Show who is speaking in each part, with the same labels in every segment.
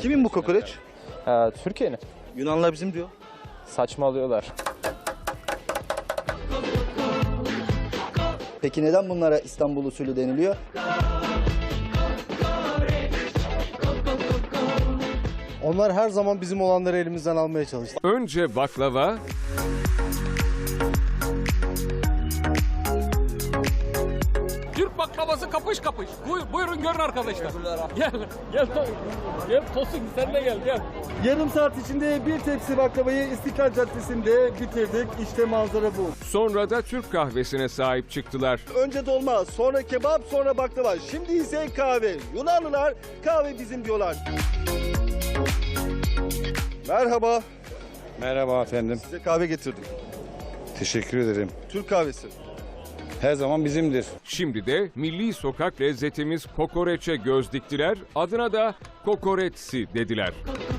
Speaker 1: Kimin bu kokoreç?
Speaker 2: Türkiye'nin.
Speaker 1: Yunanlar bizim diyor.
Speaker 2: Saçmalıyorlar.
Speaker 3: Peki neden bunlara İstanbul usulü deniliyor?
Speaker 4: Onlar her zaman bizim olanları elimizden almaya çalıştı.
Speaker 5: Önce baklava,
Speaker 6: Türk baklavası kapış kapış. Buyurun görün arkadaşlar. Gel, gel, gel Tosun sen de gel.
Speaker 4: Yarım saat içinde bir tepsi baklavayı İstiklal Caddesi'nde bitirdik. İşte manzara bu.
Speaker 5: sonra da Türk kahvesine sahip çıktılar.
Speaker 1: Önce dolma, sonra kebap, sonra baklava. Şimdi ise kahve. Yunanlılar kahve bizim diyorlar. Merhaba.
Speaker 7: Merhaba efendim.
Speaker 1: Size kahve getirdim.
Speaker 7: Teşekkür ederim.
Speaker 1: Türk kahvesi.
Speaker 7: Her zaman bizimdir.
Speaker 5: Şimdi de milli sokak lezzetimiz kokoreçe göz diktiler, adına da kokoretsi dediler.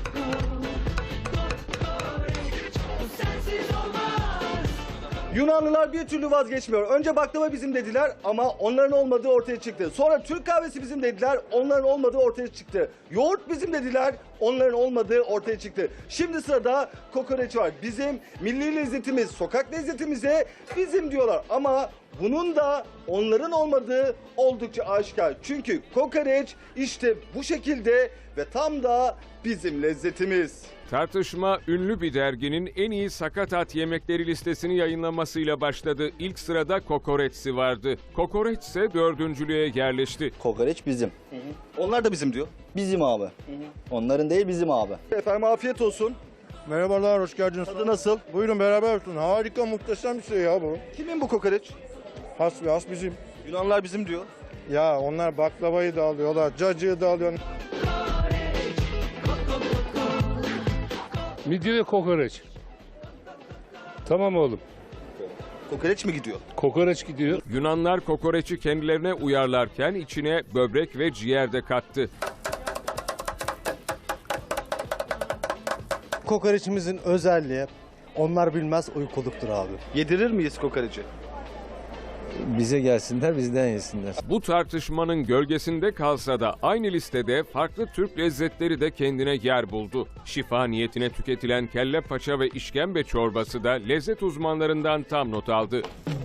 Speaker 1: Yunanlılar bir türlü vazgeçmiyor. Önce baklava bizim dediler ama onların olmadığı ortaya çıktı. Sonra Türk kahvesi bizim dediler, onların olmadığı ortaya çıktı. Yoğurt bizim dediler, onların olmadığı ortaya çıktı. Şimdi sırada kokoreç var. Bizim milli lezzetimiz, sokak lezzetimize bizim diyorlar. Ama bunun da onların olmadığı oldukça aşikar. Çünkü kokoreç işte bu şekilde ve tam da bizim lezzetimiz.
Speaker 5: Tartışma ünlü bir derginin en iyi sakatat yemekleri listesini yayınlamasıyla başladı. İlk sırada kokoreçsi vardı. Kokoreç ise dördüncülüğe yerleşti.
Speaker 3: Kokoreç bizim.
Speaker 1: Onlar da bizim diyor.
Speaker 3: Bizim abi. Onların değil bizim abi.
Speaker 1: Efendim afiyet olsun.
Speaker 4: Merhabalar, hoş geldiniz.
Speaker 1: Tadı nasıl?
Speaker 4: Buyurun beraber olsun. Harika, muhteşem bir şey ya bu.
Speaker 1: Kimin bu kokoreç?
Speaker 4: Has ve has bizim.
Speaker 1: Yunanlar bizim diyor.
Speaker 4: Ya onlar baklavayı da alıyorlar, cacığı da alıyor.
Speaker 8: Midye ve kokoreç. Tamam oğlum.
Speaker 1: Kokoreç mi gidiyor?
Speaker 8: Kokoreç gidiyor.
Speaker 5: Yunanlar kokoreçi kendilerine uyarlarken içine böbrek ve ciğer de kattı.
Speaker 4: Kokoreçimizin özelliği, onlar bilmez uykuluktur abi.
Speaker 1: Yedirir miyiz kokoreci?
Speaker 2: Bize gelsinler, bizden yesinler.
Speaker 5: Bu tartışmanın gölgesinde kalsa da aynı listede farklı Türk lezzetleri de kendine yer buldu. Şifa niyetine tüketilen kelle paça ve işkembe çorbası da lezzet uzmanlarından tam not aldı.